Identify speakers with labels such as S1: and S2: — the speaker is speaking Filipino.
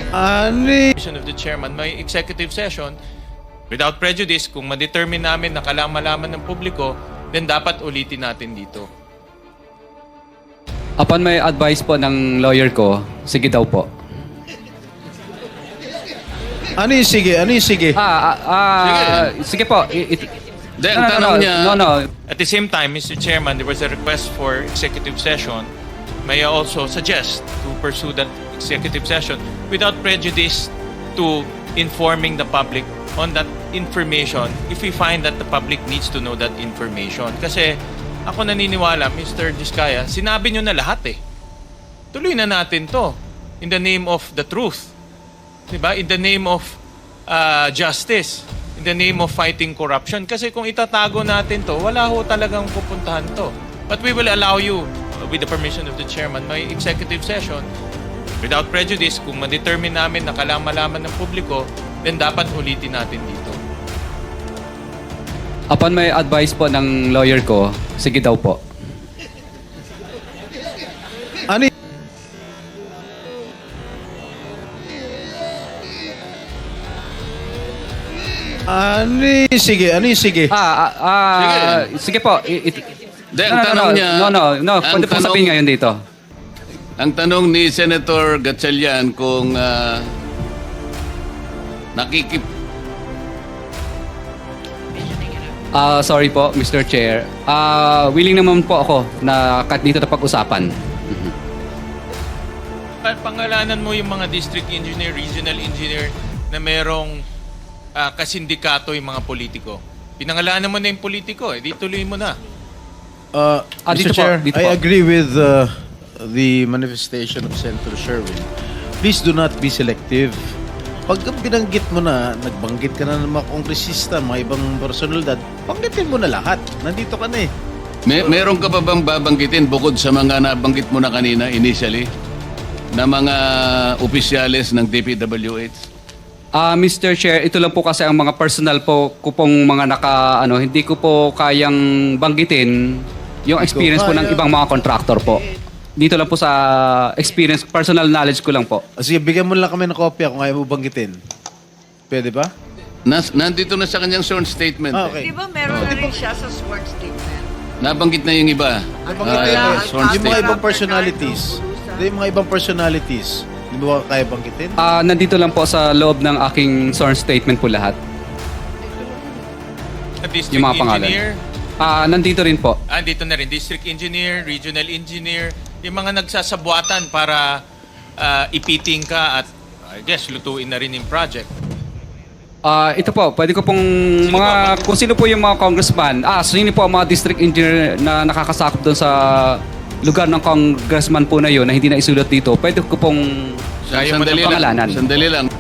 S1: Of the chairman, may executive session without prejudice. Kung ma-determine namin na kailangan malaman ng publiko, then dapat ulitin natin dito.
S2: Upon may advice po ng lawyer ko, sige daw po.
S3: Ano yung sige? Ano yung sige?
S2: Sige po.
S4: Ang tanong niya...
S2: No.
S1: At the same time, Mr. Chairman, there was a request for executive session. May I also suggest to pursue that executive session without prejudice to informing the public on that information if we find that the public needs to know that information. Kasi ako naniniwala, Mr. Diskaya, sinabi nyo na lahat eh. Tuloy na natin to in the name of the truth. Diba? In the name of justice. In the name of fighting corruption. Kasi kung itatago natin to, wala ho talagang pupuntahan to. But we will allow you, with the permission of the chairman, may executive session without prejudice. Kung ma-determine namin na kailangan malaman ng publiko, then dapat ulitin natin dito.
S2: Upon may advice po ng lawyer ko, sige daw po.
S3: Ano yung sige? Ano yung sige?
S2: Sige po.
S4: Ang tanong niya...
S2: No. Pwede po sabihin ngayon dito.
S4: Ang tanong ni Senator Gatchalian kung
S2: Sorry po, Mr. Chair. Willing naman po ako na kahit dito na pag-usapan.
S1: Pangalanan mo yung mga district engineer, regional engineer na merong kasindikato yung mga politiko. Pinangalanan mo na yung politiko, di tuloy mo na.
S3: Mr.
S2: dito po,
S3: Chair,
S2: dito
S3: I
S2: po.
S3: agree with the manifestation of Senator Sherwin. Please do not be selective. Pag binanggit mo na, nagbanggit ka na ng mga kongresista, mga ibang personalidad, banggitin mo na lahat. Nandito ka na eh.
S4: meron ka pa bang babanggitin bukod sa mga nabanggit mo na kanina initially na mga opisyales ng DPWH?
S2: Mr. Chair, ito lang po kasi ang mga personal po ko pong mga hindi ko po kayang banggitin yung experience po ng ibang mga contractor po. Dito lang po sa experience, personal knowledge ko lang po.
S3: Sige, bigyan mo lang kami ng kopya kung ayaw mo banggitin. Pwede ba?
S4: Nandito na sa kanyang sworn statement.
S3: Okay.
S5: Di ba meron na rin siya sa sworn statement?
S4: Nabanggit na yung iba.
S3: Nabanggit na yun.
S4: Sworn
S3: Yung mga
S4: statement.
S3: ibang personalities. Yung mga ibang personalities. Di ba kaya banggitin?
S2: Nandito lang po sa loob ng aking sworn statement po lahat.
S1: District
S2: Yung mga pangalan.
S1: engineer,
S2: Nandito rin po.
S1: dito na rin, district engineer, regional engineer, yung mga nagsasabuatan para ipiting ka at I guess lutuin na rin yung project.
S2: Ito po, pwede ko pong kung sino po yung mga congressman, sino po ang mga district engineer na nakakasakop doon sa lugar ng congressman po na yun na hindi na isulat dito, pwede ko pong
S1: Ayaw mo
S4: Sandali
S1: ng
S2: pangalanan.
S4: lang. Sandali lang.